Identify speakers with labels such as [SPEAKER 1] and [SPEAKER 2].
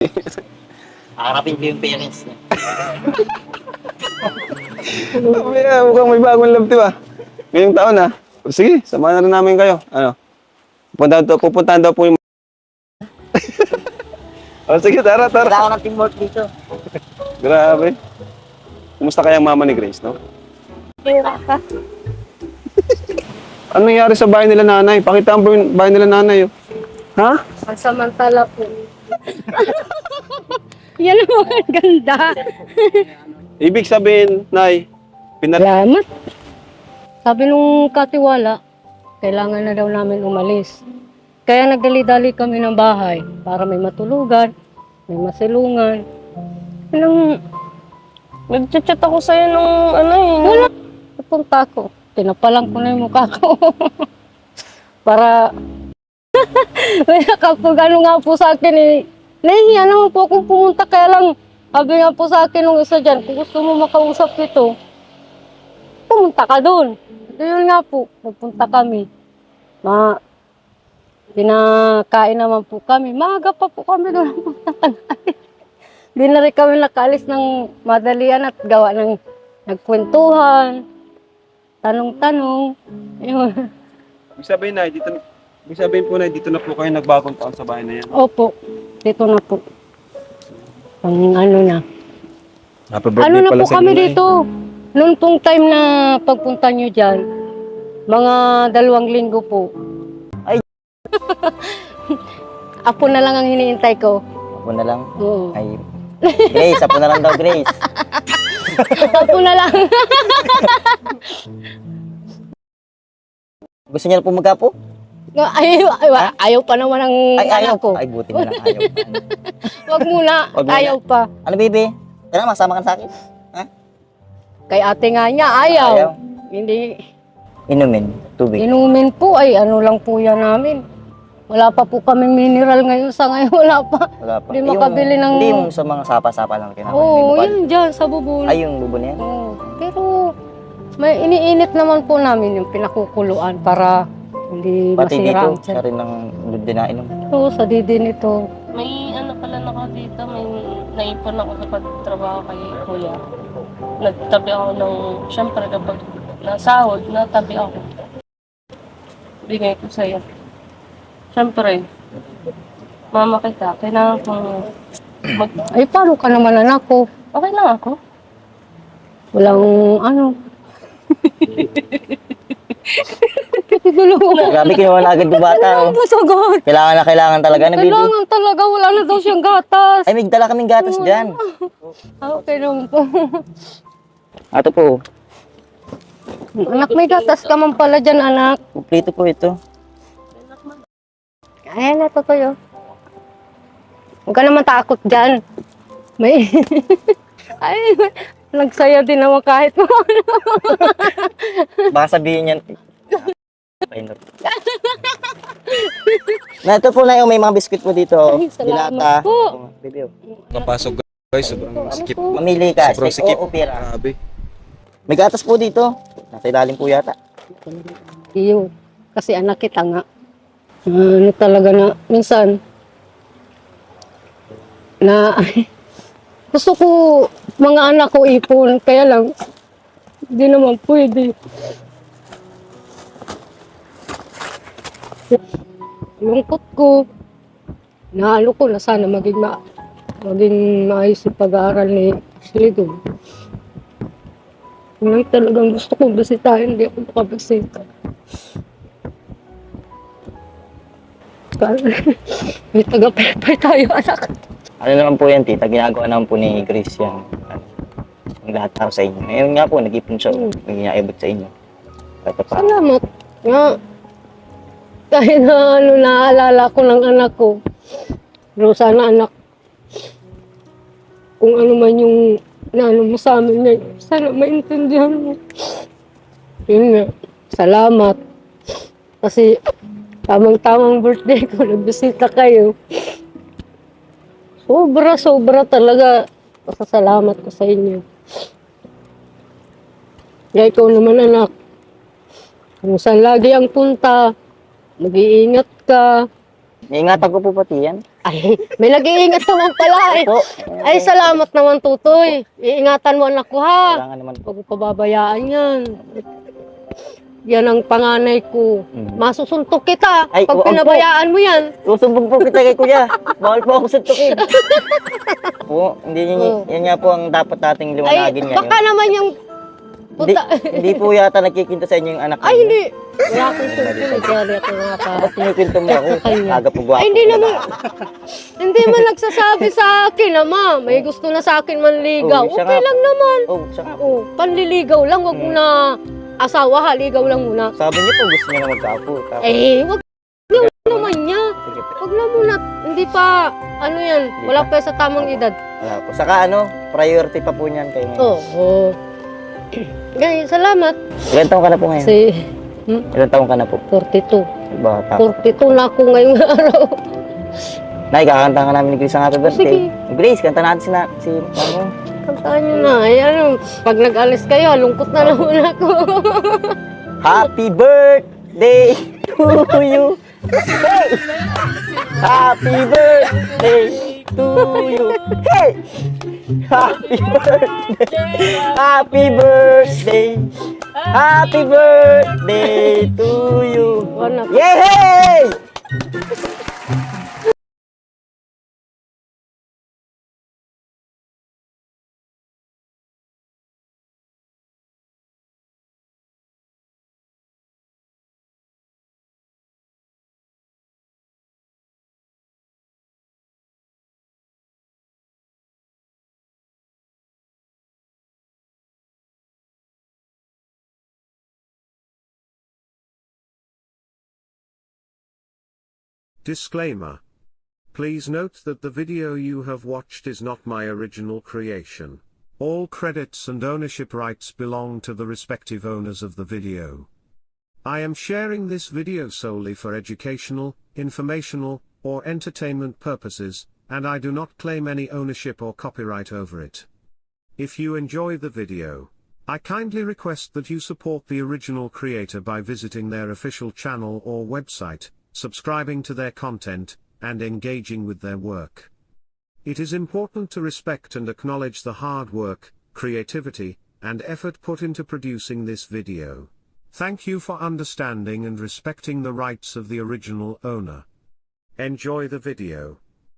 [SPEAKER 1] Harapin ko yung parents niya.
[SPEAKER 2] Mukhang may bagong love team ah. Ngayong taon ah. Sige, samahan na rin namin kayo. Ano? Pupuntahan daw po yung... Oh, sige, tara.
[SPEAKER 1] Wala ako ng teamwork dito.
[SPEAKER 2] Grabe. Kumusta kaya ang mama ni Grace, no?
[SPEAKER 3] Hira ka.
[SPEAKER 2] Ano nangyari sa bahay nila nanay? Pakita mo yung bahay nila nanay. Oh. Ha?
[SPEAKER 3] Pansamantala po. Yan ang mga ganda.
[SPEAKER 2] Ibig sabihin, Nay,
[SPEAKER 3] Salamat. Sabi nung katiwala, kailangan na daw namin umalis. Kaya nagdali-dali kami ng bahay para may matulugan, may masilungan. Nung nag-chat ako sa'yo nung wala. Napunta ako. Tinapalang ko na yung mukha ko. Para, may nakapag ano nga po sa akin eh. Nahihiya naman po akong pumunta, kaya lang, sabi nga po sa akin nung isa dyan, kung gusto mo makausap ito, pumunta ka doon. Yun nga po, nagpunta kami. Pinakain naman po kami. Maaga pa po kami doon. Di na rin kami nakaalis ng madalian at gawa ng nagkwentuhan, tanong-tanong. Yun.
[SPEAKER 2] ibig sabihin, Nay, ibig sabihin po, Nay, dito na po kayo nagbagong taon sa bahay na yan.
[SPEAKER 3] Opo, dito na po. Ang ano na.
[SPEAKER 2] Happy birthday
[SPEAKER 3] Ano na
[SPEAKER 2] pala
[SPEAKER 3] po
[SPEAKER 2] sa
[SPEAKER 3] kami
[SPEAKER 2] inyo, Nay.
[SPEAKER 3] dito? Noong pong time na pagpunta nyo dyan, mga 2 linggo po.
[SPEAKER 1] Ay.
[SPEAKER 3] Apo na lang ang hiniintay ko.
[SPEAKER 1] Ako na lang.
[SPEAKER 3] Oo.
[SPEAKER 1] Ay, Grace, ako na lang daw, Grace.
[SPEAKER 3] Apo na lang.
[SPEAKER 1] Gusto niya na po magkapo?
[SPEAKER 3] Ayaw pa naman ang
[SPEAKER 1] Ay, ayaw
[SPEAKER 3] anak ko.
[SPEAKER 1] Ay, buti na lang, ayaw.
[SPEAKER 3] Wag muna,
[SPEAKER 1] Wag muna.
[SPEAKER 3] ayaw pa.
[SPEAKER 1] Ano, baby? Tara, masama ka sa akin.
[SPEAKER 3] Kay ate nga niya, ayaw.
[SPEAKER 1] Ayaw.
[SPEAKER 3] Hindi.
[SPEAKER 1] Inumin, tubig.
[SPEAKER 3] Inumin po, ay ano lang po yan namin. Wala pa po kami mineral ngayon, sa ngayon wala pa.
[SPEAKER 1] Wala pa.
[SPEAKER 3] Hindi makabili ng...
[SPEAKER 1] Hindi yung sa mga sapa-sapa lang kinakain.
[SPEAKER 3] Oo,
[SPEAKER 1] May bukal.
[SPEAKER 3] yun dyan, sa bubon.
[SPEAKER 1] Ay, yung bubo na yan.
[SPEAKER 3] Oo, pero may iniinit naman po namin yung pinakukuluan para hindi
[SPEAKER 1] Pati
[SPEAKER 3] masira
[SPEAKER 1] dito,
[SPEAKER 3] ang tiyan.
[SPEAKER 1] siya rin ng din na inom.
[SPEAKER 3] Oo, sa didi nito.
[SPEAKER 4] May ano pala na ako dito, may naipon ako sa pagtrabaho kay Kuya. Nagtabi ako ng, syempre kapag nasahod, natabi ako. Bigay ko sa'yo. Syempre, mama kita, kailangan kong
[SPEAKER 3] Ay, paano ka naman anak ko?
[SPEAKER 4] okay lang ako.
[SPEAKER 3] Walang ano. Tulo ko.
[SPEAKER 1] Grabe, kinuha na agad yung bata. Oh.
[SPEAKER 3] Masagot.
[SPEAKER 1] Kailangan talaga na, baby.
[SPEAKER 3] Kailangan talaga, wala na daw siyang gatas.
[SPEAKER 1] Ay, may dala kaming gatas dyan.
[SPEAKER 3] Okay naman po.
[SPEAKER 1] Ato po,
[SPEAKER 3] Anak, may gatas ka man pala dyan, anak.
[SPEAKER 1] kumplito po ito.
[SPEAKER 3] Ayan na, tutuyo. Huwag ka naman takot dyan. May... Ay, nagsaya din naman kahit mo.
[SPEAKER 1] Baka sabihin yan. Painot. Na ito po na yung may mga biskuit po dito.
[SPEAKER 3] Ay, salamat
[SPEAKER 1] Dilata.
[SPEAKER 3] po.
[SPEAKER 1] Oh, baby, oh.
[SPEAKER 2] Papasok guys, sobrang sikip.
[SPEAKER 1] Mamili ka.
[SPEAKER 2] Sobrang
[SPEAKER 1] Steak
[SPEAKER 2] sikip.
[SPEAKER 1] o pera.
[SPEAKER 2] Grabe.
[SPEAKER 1] May gatas po dito. Nasa ilalim po yata.
[SPEAKER 3] Iyo, kasi anak kita nga. Ano talaga na, minsan, na, gusto ko, mga anak ko ipon, kaya lang, hindi naman pwede. Lungkot ko, naalo ko na sana maging maayos yung pag-aaral ni Ashley doon. Yun lang talagang gusto ko basitahin, hindi ako makabasita. May taga-pepper tayo, anak.
[SPEAKER 1] Ano naman po yan, tita? Ginagawa naman po ni Grace yan. Ang lahat para sa inyo. Ngayon nga po, nag-ipon siya. Nag-iabot sa inyo. Ito pa.
[SPEAKER 3] Salamat nga. Kahit na ano, naaalala ko ng anak ko. Pero sana anak, kung ano man yung naano mo sa amin ngayon, sana maintindihan mo. Yun nga, salamat. Kasi tamang-tamang birthday ko, nagbisita kayo. Sobra talaga. Pasasalamat ko sa inyo. Kaya ikaw naman anak, kung saan lagi ang punta, mag-iingat ka,
[SPEAKER 1] Iingatan ko po pati yan.
[SPEAKER 3] Ay, may nag-iingat naman pala eh.
[SPEAKER 1] Po.
[SPEAKER 3] Ay, salamat naman, Tutoy. Iingatan mo anak ko, ha?
[SPEAKER 1] Wala nga naman po.
[SPEAKER 3] Huwag mo pababayaan yan. Yan ang panganay ko.
[SPEAKER 1] Mm.
[SPEAKER 3] Masusuntok kita
[SPEAKER 1] Ay,
[SPEAKER 3] pag
[SPEAKER 1] wag po.
[SPEAKER 3] pinabayaan mo yan.
[SPEAKER 1] Susumbong po kita kay kuya. Bawal po ako suntukin. Po,
[SPEAKER 3] Oo.
[SPEAKER 1] yan nga po ang dapat nating
[SPEAKER 3] Ay,
[SPEAKER 1] liwanagin ngayon.
[SPEAKER 3] baka naman yung...
[SPEAKER 1] Hindi,
[SPEAKER 3] Puta.
[SPEAKER 1] hindi po yata nagkikinto sa inyo yung anak
[SPEAKER 3] Ay,
[SPEAKER 1] niyo.
[SPEAKER 3] hindi. Wala akong tutoy. Kaya ako nga pa.
[SPEAKER 1] Ba't kinikwento mo ako?
[SPEAKER 3] Sa kanya.
[SPEAKER 1] Aga po gwapo.
[SPEAKER 3] Ay, hindi naman. Hindi man nagsasabi sa akin, ama. May gusto na sa akin manligaw.
[SPEAKER 1] Oo, siya
[SPEAKER 3] Okay
[SPEAKER 1] nga.
[SPEAKER 3] lang naman.
[SPEAKER 1] Oh, siya nga.
[SPEAKER 3] Oh, panliligaw lang. Wag mo na asawa, ha. Ligaw lang muna.
[SPEAKER 1] Sabi niyo po gusto niya na magkaapo. Tapos,
[SPEAKER 3] Wag naman niya.
[SPEAKER 1] sige po.
[SPEAKER 3] Wag na muna. Hindi pa, ano yan. Wala pa sa tamang edad.
[SPEAKER 1] Wala po. Saka priority pa po niyan kayo.
[SPEAKER 3] Oo. Ganyan, salamat.
[SPEAKER 1] Ilan taong ka na po ngayon?
[SPEAKER 3] Si
[SPEAKER 1] Ilan taong ka na po?
[SPEAKER 3] 42.
[SPEAKER 1] Bata.
[SPEAKER 3] 42 na ako ngayong araw.
[SPEAKER 1] Nay, kakanta ka namin ni Grace ang happy birthday.
[SPEAKER 3] Sige.
[SPEAKER 1] Grace, kanta natin si Mamo.
[SPEAKER 3] Kantaan nyo na. Ay, ano, pag nag-alis kayo, lungkot na naman ako.
[SPEAKER 1] Happy birthday to you. Hey! Happy birthday to you. Hey! Happy birthday. Happy birthday. Happy birthday to you.
[SPEAKER 3] Anak.
[SPEAKER 1] Yay!
[SPEAKER 5] Disclaimer. Please note that the video you have watched is not my original creation. All credits and ownership rights belong to the respective owners of the video. I am sharing this video solely for educational, informational, or entertainment purposes, and I do not claim any ownership or copyright over it. If you enjoy the video, I kindly request that you support the original creator by visiting their official channel or website, subscribing to their content, and engaging with their work. It is important to respect and acknowledge the hard work, creativity, and effort put into producing this video. Thank you for understanding and respecting the rights of the original owner. Enjoy the video.